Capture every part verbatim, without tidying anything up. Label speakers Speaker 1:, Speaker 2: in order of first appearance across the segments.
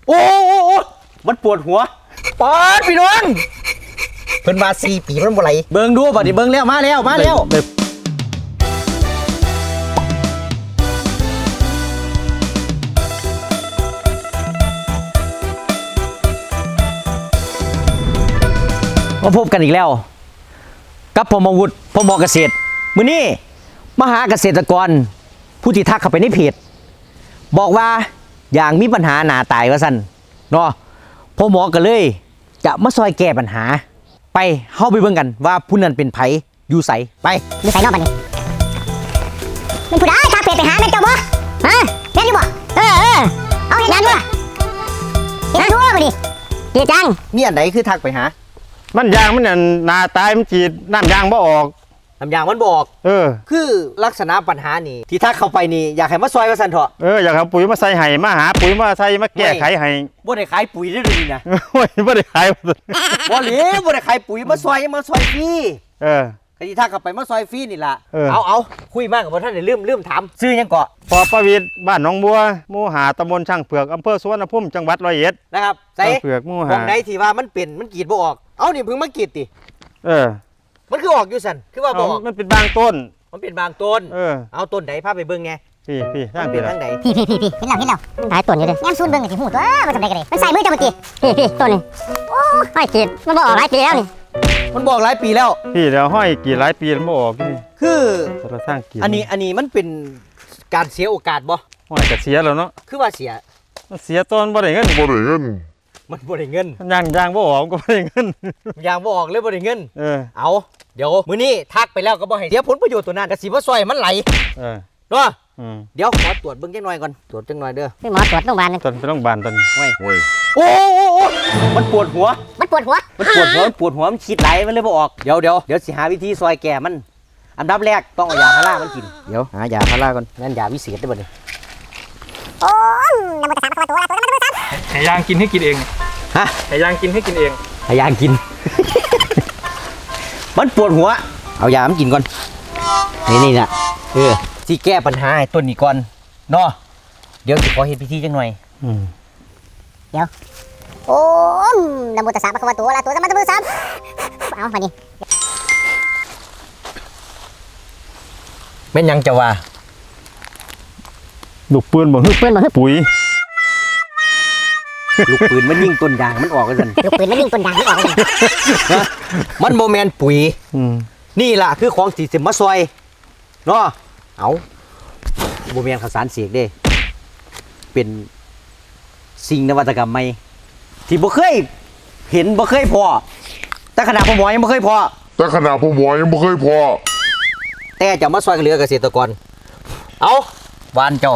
Speaker 1: โอ้โอ้โอ้มันปวดหัวปอดพี่น้องเพิ่นว่าสี่ปีมันบ่ไหลเบิ่งดูบัดนี้เบิ่งแล้วมาแล้วมาแล้วมาพบกันอีกแล้วกับผมอาวุธพมเกษตรมื้อนี้มาหาเกษตรกรผู้ที่ทักเข้าไปในเพจบอกว่าอย่างมีปัญหาหนาตายว่าซั่นเนาะพ่อหมอก็เลยจะมาซอยแก้ปัญหาไปเฮาไปเบิ่งกันว่าผู้นั้นเป็นไผอยู่ไสไป
Speaker 2: อยู่ไสเนาะบัดนี้เป็นผู้ใดทักเพจไปหาแม่นเจ้าบ่ฮะแม่นอยู่บ่เออเออเอาเฮ็ดหยังบ่เฮ็ดทั่วบ่ดิเฮ็ดจัง
Speaker 1: มีอันใดคือทักไปหา
Speaker 3: มันยางมันน่ะหน้าตายมันฉีดน้ำยางบ่ออก
Speaker 1: น้ำยางมันบอก
Speaker 3: เออ
Speaker 1: คือลักษณะปัญหานี่ที่ทักเข้าไปนี่อยากให้มาซอยว่าซั่นเถาะ
Speaker 3: เอออยากเอาปุ๋ยมาใส่ให้มาหาปุ๋ยมาใส่มาแก้ไขให้
Speaker 1: บ่ได้ขายปุ๋ยได้เลยนี่นะ
Speaker 3: โอ้ยบ่ได้ขาย
Speaker 1: บ่หลีบ่ได้ขายปุ๋ยมาซอยมาซอยฟรี
Speaker 3: เออ
Speaker 1: ใครที่ทักเข้าไปมาซอยฟรีนี่ล่ะ
Speaker 3: เออ
Speaker 1: เอาเอาคุยมากกับบ่ทันได้ลืมลืมถามชื่อหยังเกาะ
Speaker 3: พอประวิตรบ้านหนองบัวหมู่หาตำบลช่างเผือกอำเภอสุวรรณภูมิจังหวัดร้อยเอ็ด
Speaker 1: นะครับใส่
Speaker 3: เผือกหมู่หา
Speaker 1: ตรงใดที่ว่ามันเป็นมันกรีดบ่ออกเอานี่เพิ่งมากรีดติ
Speaker 3: เออ
Speaker 1: มันคือออกอยู่ซั่นคือว่าบ่ออก
Speaker 3: มันเป็นบางต้น
Speaker 1: มันเป็นบางต้น
Speaker 3: เออ
Speaker 1: เอาต้นใดพาไปเบิ่งไง
Speaker 3: พี่พี่ทาง
Speaker 1: เป็นทางใด
Speaker 2: พี่พี่พี่เห็นแล้วเห็นแล้วหลายต้นอยู่เด้แง้มซูนเบิ่งก็สิฮู้ตัวว่าทำไดก็ได้มันใส่มือเจ้าเมื่อกี้พี่พี่ต้นนี้โอ้ยกรีดมันบ่ออกหลายปีแล้วนี่
Speaker 1: มันบอกหลายปีแล้ว
Speaker 3: พี่แล้วห้อยกี่หลายปีมันบ่ออกนี่
Speaker 1: คือ
Speaker 3: เราสร้างกี่
Speaker 1: อันนี้อันนี้มันเป็นการเสียโอกาสบ่
Speaker 3: ห้อยก็เสียแล้วเนาะ
Speaker 1: คือว่าเสีย
Speaker 3: เสียต้นบ่ได้เงิน
Speaker 4: บ่ได้เงิน
Speaker 1: มันบ่ได้เงิน
Speaker 3: ยางยางบ่ออกก็บ่ได้เงิน
Speaker 1: ยางบ่ออกเลยบ่ได้เงิน
Speaker 3: เออ
Speaker 1: เอาเดี๋ยวมื้อนี้ทักไปแล้วก็บ่ให้เสียผลประโยชน์ตัวนั้นก็สิบ่ซอยมันไหล
Speaker 3: เออ
Speaker 1: เนาะ
Speaker 3: อืม
Speaker 1: เดี๋ยวขอตรวจเบิ่งจักหน่อยก่อนตรวจจักหน่อยเด้อ
Speaker 2: ไปหมอตรวจโรงพยาบาลนึง
Speaker 3: ต้นไปโรงพยาบาลต้น
Speaker 1: โอ้ย
Speaker 4: โอ้ย
Speaker 1: โอ้โอ้มันปวดหัว
Speaker 2: มันปวดหัว
Speaker 1: มันปวดหัวมันปวดหัวมันคิดไหลมันเลยบ่ออกเดี๋ยวเดี๋ยวเดี๋ยวสิหาวิธีซอยแก้มันอันดับแรกต้องเอายาพารามันกินเดี๋ยวหายาพาราก่อนงั้นยาวิเศษได้บ่นี่
Speaker 2: โอ้ยน้ำมันกระซับตัวตัวน้ำมันกระซับ
Speaker 5: ให้ยางกินให้กินเอง
Speaker 1: ฮะ
Speaker 5: ให้ยางกินให้กินเอง
Speaker 1: ให้ยางกิน มันปวดหัวเอายามันกินก่อนนี่นี่น่ะเออที่แก้ปัญหาให้ต้นนี้ก่อนเนาะเดี๋ยวสิขอเฮ็ดพิธีจังหน่อย
Speaker 3: อืม
Speaker 2: เดี๋ยวโอ้ยน้ำมันกระซับตัวตัวตัวน้ำมันกระซับเอามานี่
Speaker 1: แม่นยังจะว่า
Speaker 3: ลูกปืนบ่ฮึ
Speaker 2: ปืนบ่ฮึ
Speaker 3: ปุ๋ย
Speaker 1: ลูกปืนมันยิงต้นยางมันออกกันซั่น
Speaker 2: ลูกปืนมันยิงต้นยางมันออกกัน
Speaker 1: มันบ่แม่นปุ๋ย
Speaker 3: อืม
Speaker 1: นี่ล่ะคือของที่สิมาซอยเนาะเอาบ่แม่นข้าวสารเสกเด้เป็นสิ่งนวัตกรรมใหม่ที่บ่เคยเห็นบ่เคยพอแต่ขนาดพ่อหมอยังบ่เคยพอ
Speaker 4: แต่ขนาดพ่อหมอยังบ่เคยพอ
Speaker 1: แต่จะมาซอยเหลือเกษตรกรเอาหวานเจ้า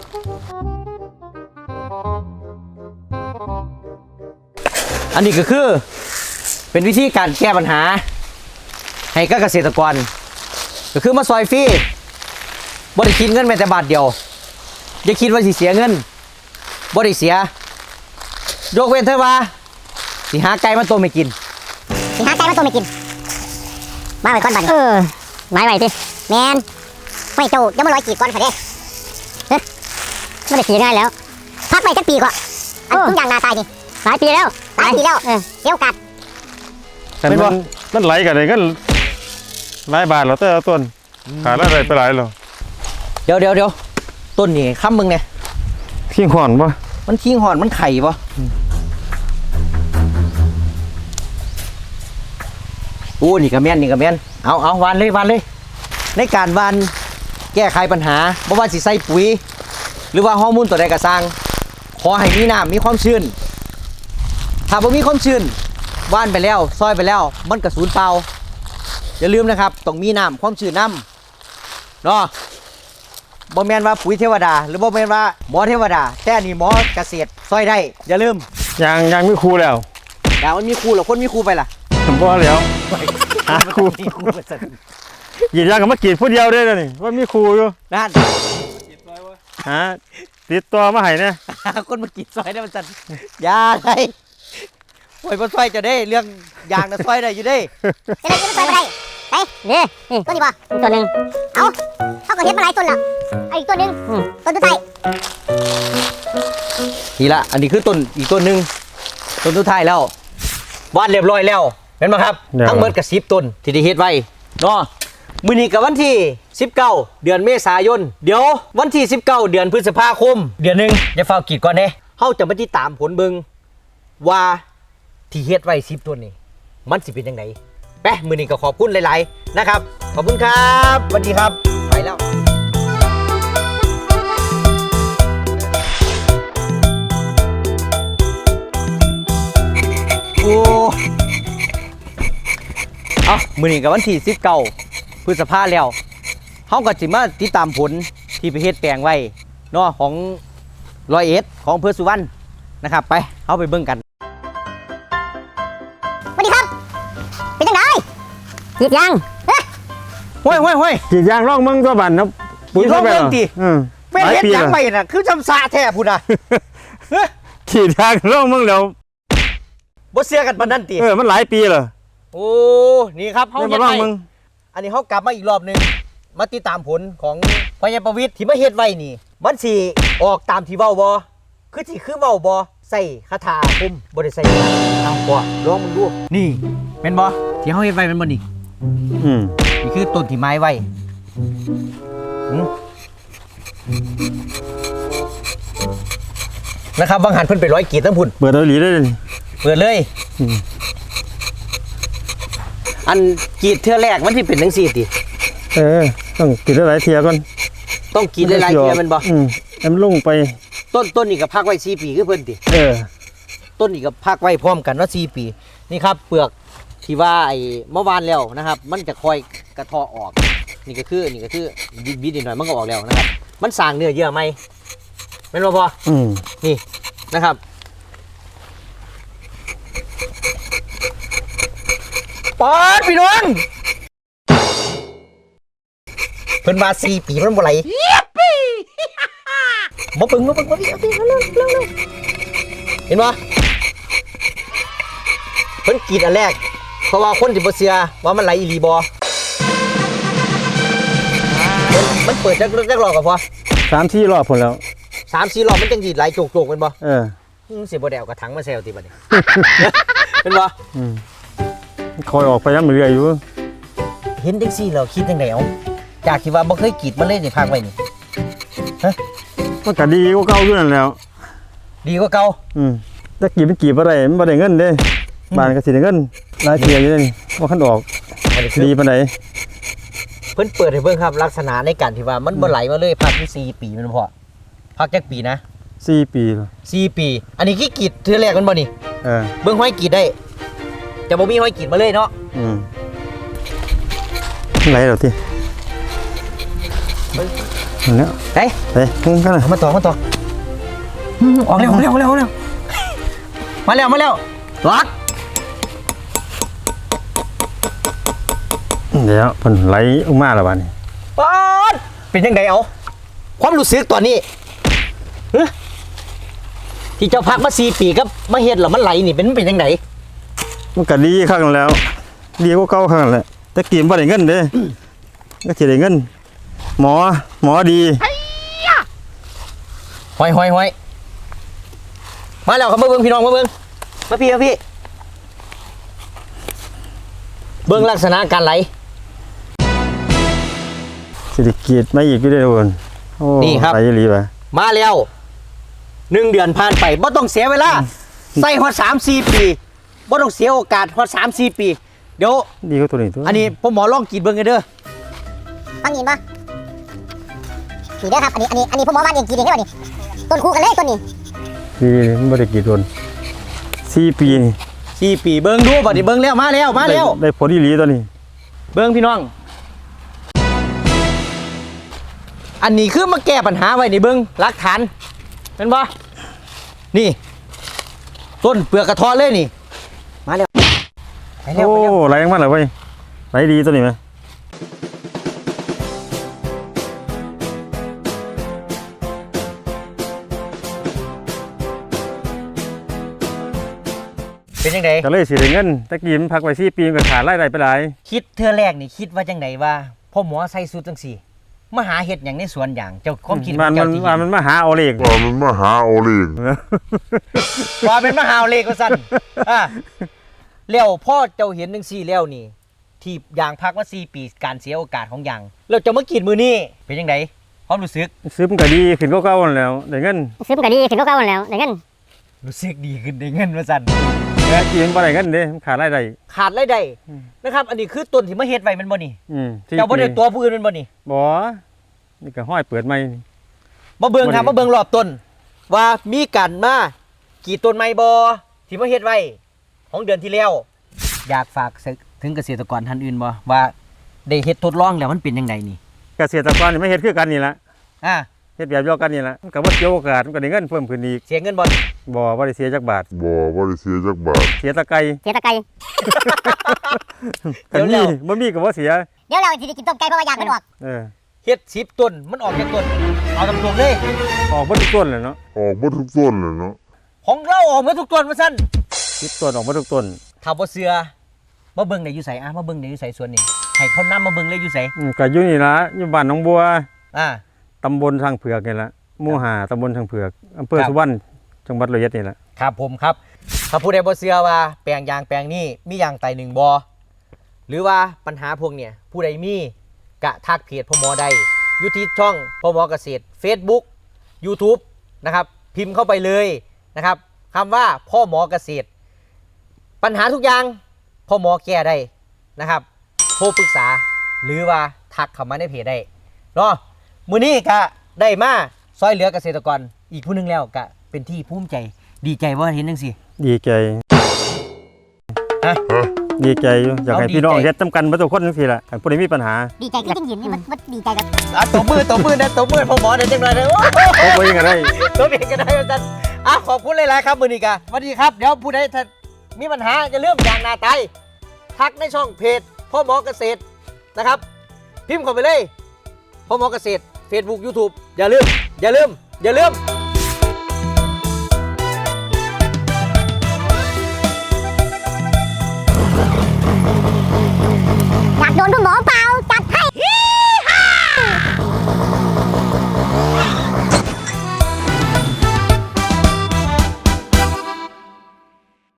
Speaker 1: อันนี้ก็คือเป็นวิธีการแก้ปัญหาให้กับเกษตรกรก็คือมาซอยฟรีบ่ได้คิดเงินแม้แต่บาทเดียวอย่าคิดว่าสิเสียเงินบ่ได้เสียยกเว้นเถอะว่าสิหาไก่มาต้มให้กิน
Speaker 2: สิหาไก่มาต้มให้กินมาไว้ก่อนบัดเออไว้ไว้สิแมนไม่เจ้าเดี๋ยวมาลอยกีดก่อนค่ะเด้เฮ้ยไม่ได้ขี่ง่ายแล้วพักไปจักปีกว่าอันทุกอย่างนาตายดิหลายปีแล้วหลายปีแล้วเออเดี๋ยวกัด
Speaker 3: เป็นว่ามันไหลกันเลยก็หลายบาทแล้วแต่ต้นขาดอะไรไปหลายแล้ว
Speaker 1: เดี๋ยวเดี๋ยวเดี๋ยวต้นนี่ค้ำมึงเนี่ย
Speaker 3: ขี้ห่อนปะ
Speaker 1: มันขี้ห่อนมันไข่ปะโอ้นี่กระเมียนนี่กระเมียนเอาเอาวานเลยวานเลยในการวานแก้ไขปัญหาบ่ว่าสิใส่ปุ๋ยหรือว่าฮอร์โมนตัวใดกระซังขอให้มีน้ำมีความชื้นถ้าบ่มีความชื้นวานไปแล้วซอยไปแล้วมันกระสูญเปล่าอย่าลืมนะครับต้องมีน้ำความชื้นน้ำเนาะบ่แม่นว่าปุ๋ยเทวดาหรือบ่แม่นว่าหมอเทวดาแต่นี่หมอเกษตรซอยได้อย่าลืม
Speaker 3: ยังยังมีครูแล้ว
Speaker 1: ดาวมันมีครูหรอคนมีครูไปล่ะ
Speaker 3: บ่แล้วหาครูยีดยางกับมากีดผู้เดียวได้เลยนี่ว่ามีครูอยู่
Speaker 1: นั่น
Speaker 3: ฮะติดตัวมาให้เนี่ย
Speaker 1: คนมากีดซอยได้มันจัดยาอะไรปล่อยมาซอยจะได้เรื่องยางนะซอยได้อยู่ได้
Speaker 2: จะได้จะได้ไปนี่นี่ต้นนี้ป่ะตัวหนึ่งเอาเขาก็เห็นมาหลายต้นแล้วไอ้ตัวหนึ่งต้นตัวไทย
Speaker 1: นี่ละอันนี้คือต้นอีกต้นหนึ่งต้นสุดท้ายแล้ววาดเรียบร้อยแล้วเห็นไหมครับทั้งหมดกับสิบต้นที่ได้เฮ็ดไว้เนาะมื้อนี้กับวันที่สิบเก้าเดือนเมษายนเดี๋ยววันที่สิบเก้าเดือนพฤษภาคมเดือนหนึงอย่าฟ้าวกรีดก่อนเด้เฮาจะมาติดตามผลเบิ่งว่าที่เฮ็ดไว้สิบต้นนี่มันสิเป็นจังไดไปมื้อนี้ก็ขอบคุณหลายๆนะครับขอบคุณครับสวัสดีครับไปแล้วโอ้เอามื้อนี้กับวันที่สิบเก้าพฤษภาแล้วเฮาก็สิมาติดตามผลที่ไปเฮ็ดแปลงไว้เนาะของร้อยเอ็ดของอำเภอสุวรรณนะครับไปเฮาไปเบิ่งกัน
Speaker 2: สวัสดีครับ เป็นจังไดกรีดยางเฮ้ย
Speaker 1: ห้วยห้วยห้วย
Speaker 3: กรีดยางร่องเมืองตัวบันนะปุ๋ย
Speaker 1: ร่องเมือง
Speaker 3: ใช่ไหร
Speaker 1: ติ
Speaker 3: อืม
Speaker 1: เป็น
Speaker 3: หลาย
Speaker 1: เฮ็ด
Speaker 3: ปี
Speaker 1: หยัง
Speaker 3: แล้ว
Speaker 1: ไปน่ะคือจำสาแท้พุ่นน่ะ
Speaker 3: กรีดยางร่องเมืองแล้ว
Speaker 1: บ่เชื่อกันปานนั้นติ
Speaker 3: เออมันหลายปีเหรอ
Speaker 1: โอ้นี่ครับเฮา
Speaker 3: ไม่
Speaker 1: เฮ็
Speaker 3: มา
Speaker 1: ด
Speaker 3: ร่อง
Speaker 1: ไว้
Speaker 3: เมือง
Speaker 1: อันนี้เฮากลับมาอีกรอบหนึงมาติดตามผลของพญาประวิตรที่มาเฮ็ดไว้นี่มันสิออกตามที่เว้าบ่คือสิคือเว้าบ่ใส่คาถาอาคมบ่ได้ใส่เอาบ่ลองมึงดูนี่แม่นบ่ที่เฮาเฮ็ดไว้แม่นบ่นี่
Speaker 3: อืม
Speaker 1: นี่คือต้นที่ไม้ไว้หืมนะครับบางหันเพิ่นไปร้อยกีดทั้งพุ่น
Speaker 3: เปิดเอาหลีได้เลย
Speaker 1: เปิดเลย
Speaker 3: อืม
Speaker 1: อันกรีดเทื่อแรกมันที่เป็นจังซี่ติ
Speaker 3: เออต้องกรีดหลายๆเทียก่อน
Speaker 1: ต้องกรีดหลายๆเทื่อแมันบ่
Speaker 3: อืมให้มันลงไป
Speaker 1: ต้นต้นนี่ก็พักไว้สี่ปีคือเพิ่นติ
Speaker 3: เออ
Speaker 1: ต้นนี่ก็พักไว้พร้อมกันว่าสี่ปีนี่ครับเปลือกที่ว่าไอ้เมื่อวานแล้วนะครับ มันจะคอยกระเทาะออก นี่ก็คือนี่ก็คือบิดบิดนิดหน่อยมันก็ออกแล้วนะครับ มันสร้างเนื้อเยื่อไหมแม่นบ่พอ
Speaker 3: อืม
Speaker 1: นี่นะครับปอดพี่น้องเพิ่นมาสี่ปีมันบ่ไหลมาเบิ่งมาเบิ่งมาเบิ่งเอาดิเอาเร็วเร็วเร็วเห็นบ่เพิ่นกรีดอันแรกเพราะว่าคนที่บ่เชื่อว่ามันไหลอีหลีบ่มันมันเปิดจักจักรอบก็พอ
Speaker 3: สามสี่รอบผลแล้ว
Speaker 1: สามสี่รอบมันจังดีดไหลโจกๆแม่นบ่
Speaker 3: เออ
Speaker 1: อืมสิบ่ได้เอากระถังมาแซวติบัดนี้ เป็นบ่
Speaker 3: อืมคอยออกไปย้ำเรื่อยอยู่
Speaker 1: เห็นจังซี่แล้วคิดจังไดเอาจากที่ว่าบ่เคยกรีดมาเลยนี่พักไว้นี่
Speaker 3: มันก็ดีกว่าเก่าอยู่นั่นแหล้ว
Speaker 1: ดีกว่าเก่า
Speaker 3: อืมแต่กรีดมันกรีดบ่ได้มันบ่ได้เงินเด้บ้านก็สิได้เงินหลายเทียอยู่เด้นี่บ่คันออก
Speaker 1: อันนี้คือ
Speaker 3: ดีปานใด
Speaker 1: เพิ่นเปิดให้เบิ่งครับลักษณะในการที่ว่ามันบ่ไหลมาเลยพักอยู่สี่ปีแมันบ่พอพักจักปีนะ
Speaker 3: สี่ปีแล้ว
Speaker 1: สี่ปี อันนี้คือกรีดเทื่อแรกแมันบ่นี่
Speaker 3: เออ
Speaker 1: เบิ่งห้อยกรีดได้จะบ่มีห้อยกรีดมาเลยเนาะ
Speaker 3: อืมไหลแล้วตินั่นแหล้ว
Speaker 1: เฮ้ย
Speaker 3: ไปมึงกันน่ะ
Speaker 1: เอามาต่อมาต่ออืมออกเร็วออกเร็วออกเร็วออกเร็วมาแล้วมาแล้วล็อก
Speaker 3: เดี๋ยวเพิ่นไหลออกมาแล้วบัดนี้
Speaker 1: ป๊อดเป็นจังไดเอาความรู้สึกตอนนี้ฮะที่เจ้าพักมาสี่ปีกับมาเฮ็ดแล้วมันไหลนี่เป็นเป็นจังได
Speaker 3: มันก็ดีครั้งแล้ว ดีกว่าเก่าครั้งแหละแต่กินบ่ได้เงินเด้ก็สิได้เงิน หมอหมอดี
Speaker 1: ห้อยห้อยห้อยมาแล้วครับมาเบิ่งพี่น้องมาเบิ่งมาพี่มาพี่เบิ่งลักษณะการไหล
Speaker 3: สิได้กรีดมาอีกอยู่เด้อทุกคนโอ้
Speaker 1: นี่ครับ
Speaker 3: ไหลอีหลีว่ะ
Speaker 1: มาแล้วหนึ่งเดือนผ่านไปบ่ต้องเสียเวลาใส่ฮอดสามสี่ปีบ่ต้องเสียโอกาสฮอดสามสี่ปีเดี๋ยว
Speaker 3: ดีกว่าตัวนี้ตัว
Speaker 1: อันนี้ผมหมอลองกรีดเบิ่งกันเด้อ
Speaker 2: ฟังยินปะนี่เด้อครับ อันนี้ อันนี้ อันนี้ผมบอกว่าเองกรีดเองได้ป่ะนี่ต้นคู่กันเลยต้นนี้
Speaker 3: ดีมันบ่ได้กรีดโดนสี่ปีนี่
Speaker 1: สี่ปีเบิ่งดูบัดนี้เบิ่งแล้วมาแล้วมาแล้ว
Speaker 3: ได้ได้ผลอีหลีตัวนี้
Speaker 1: เบิ่งพี่น้อง อันนี้คือมาแก้ปัญหาไว้ในเบิ่งหลักฐานเป็นบ่นี่ ต้นเปลือกกระท้อนเลยนี่ มาแล้วไปแล้ว
Speaker 3: โอ้
Speaker 1: ไปแล้ว
Speaker 3: ไหลออกมาแล้วเว้ยไหลดีตัวนี้ไหม
Speaker 1: เป็นยังไง
Speaker 3: ก็เลยสิได้เงินตะกี้มันพักไว้สี่ปีมันก็ขาดรายได้ไปหลาย
Speaker 1: คิดเทื่อแรกนี่คิดว่าจังไดว่าพ่อหมอใส่สูทจังสี่มาหาเห็ดอย่างในสวนอย่างเจ้าความคิดข
Speaker 3: มั
Speaker 1: อน ง
Speaker 3: มั
Speaker 1: เจ้าน ที่
Speaker 3: มันมันมาหาเอาเลข
Speaker 4: ว่ามันมาหาเอาเลข
Speaker 1: ว่าเป็นมหาเลขก็สั่นอ่ะแล้วพ่อเจ้าเห็นหนึ่งสี่แล้วนี่ ที่ยางพักว่าสี่ปีการเสียโอกาสของยางเราจะมากินมือนี่เป็นยังไงความรู้สึก
Speaker 3: ซื้อมันก็ดีขึ้นก็เก่าๆแล้วได้เงิน
Speaker 2: ซื้อมันก็ดีขึ้นก็เก่าแล้วได้เงิน
Speaker 1: รู้สึกดีขึ้นได้เงินมาสั่น
Speaker 3: แต่กินบ่ได้เงินเด้มันขาดรายได้
Speaker 1: ขาดรายได้นะครับ อันนี้คือต้นที่มาเฮ็ดไว้แมันบ่นี่
Speaker 3: อืมที่
Speaker 1: เจ้าบ่ได้ตัวผู้อื่นแมันบ่นี่
Speaker 3: บ่นี่ก็ห้อยเปิดใหม่
Speaker 1: มาเบิ่งครับ
Speaker 3: บ่ได้
Speaker 1: มาเบิ่งรอบต้น ว่ามีการมากี่ต้นไม้บ่ที่มาเฮ็ดไว้ของเดือนที่แล้ว อยากฝากถึงเกษตรกรท่านอื่นบ่ว่าได้เฮ็ดทดลองแล้วมันเป็นยังไงนี่
Speaker 3: เกษตรกรนี่ไม่เฮ็ดคือกันนี่ล่ะ
Speaker 1: อ่า
Speaker 3: เฮ็ดแบบเดียวกันนี่ล่ะมันก็บ่เสียโอกาสมันก็ได้เงินเพิ่มขึ้นอีก
Speaker 1: เสียเงินบ่
Speaker 3: บ่บ่ได้เสียจักบาท
Speaker 4: บ่บ่ได้เสียจักบาท
Speaker 3: เสียแตะไก
Speaker 2: เสียตะไคร้
Speaker 3: กันมีบ่มีก็บ่เสีย
Speaker 2: เดี๋ยวเราสิได้กินต้มไก่เพราะว่าอยากมันออก
Speaker 3: เออ
Speaker 1: เฮ็ดสิบต้นมันออกจากต้นเอาตรงๆเลย
Speaker 3: ออกบ่ทุกต้นเลยเนาะ
Speaker 4: ออกบ่ทุกต้นเลยเนาะ
Speaker 1: ของเราออกมาทุกต้นมาซั่น
Speaker 3: สิบต้นออกบ่ทุกต้น
Speaker 1: ถ้าบ่เชื่อมาเบิ่งได้อยู่ไสอ่ะมาเบิ่งได้อยู่ไสสวนนี่ให้เขานำมาเบิ่งเลยอยู่ไส
Speaker 3: อืมก็อยู่นี่ล่ะอยู่บ้านหนองบัว
Speaker 1: อ่า
Speaker 3: ตำบลทางเผือกนี่ล่ะหมู่ห้าตำบลทางเผือกอำเภอ
Speaker 1: ครับ
Speaker 3: สุวรรณจังหวัดร้อยเอ็ดนี่ล่ะ
Speaker 1: ครับผมครับถ้าผู้ใดบ่เชื่อว่าแปลงยางแปลงนี้มียางไตหนึ่งบ่หรือว่าปัญหาพวกเนี่ยผู้ใดมีกะทักเพจพ่อหมอได้อยู่ที่ช่องพ่อหมอเกษตร Facebook YouTube นะครับพิมพ์เข้าไปเลยนะครับคำว่าพ่อหมอเกษตร ปัญหาทุกอย่างพ่อหมอแก้ได้นะครับโทรปรึกษาหรือว่าทักเข้ามาในเพจได้เนาะมื้อนี้ก็ได้มาซอยเหลือเกษตรกรอีกผู้หนึงแล้วก็เป็นที่ภูมิใจดีใจว่าเห็นจังซี่
Speaker 3: ดีใจ
Speaker 1: ฮะ
Speaker 3: ดีใจอยู่อยากให้
Speaker 1: เอาดี
Speaker 3: พี่น้อง
Speaker 1: ใจ
Speaker 3: เฮ็ดนํกันเบ่ทุกคนจังซี่ล่ะคันผู้ใดมีปัญหา
Speaker 2: ดีใจก็จริงยินนี่มันมันดีใจกับ
Speaker 1: อ่ะตบมือตบมือนะตบมือพ่อหมอเดี๋ยวจังหน่อยนะโอ้โห
Speaker 3: โอ้บ่ยังก็ได้
Speaker 1: ตบเองก็ได้อาจารย์อ่ะขอบคุณหลายๆครับมื้อนี้ก็สวัสดีครับเดี๋ยวผู้ใดถ้ามีปัญหาจะเริ่าลืมยางนาไตทักในช่องเพจพ่อหมอเกษตรนะครับ พิมพ์เข้าไปเลยพ่อหมอเกษตร Facebook YouTube อย่าลืม อย่าลืม อย่าลืม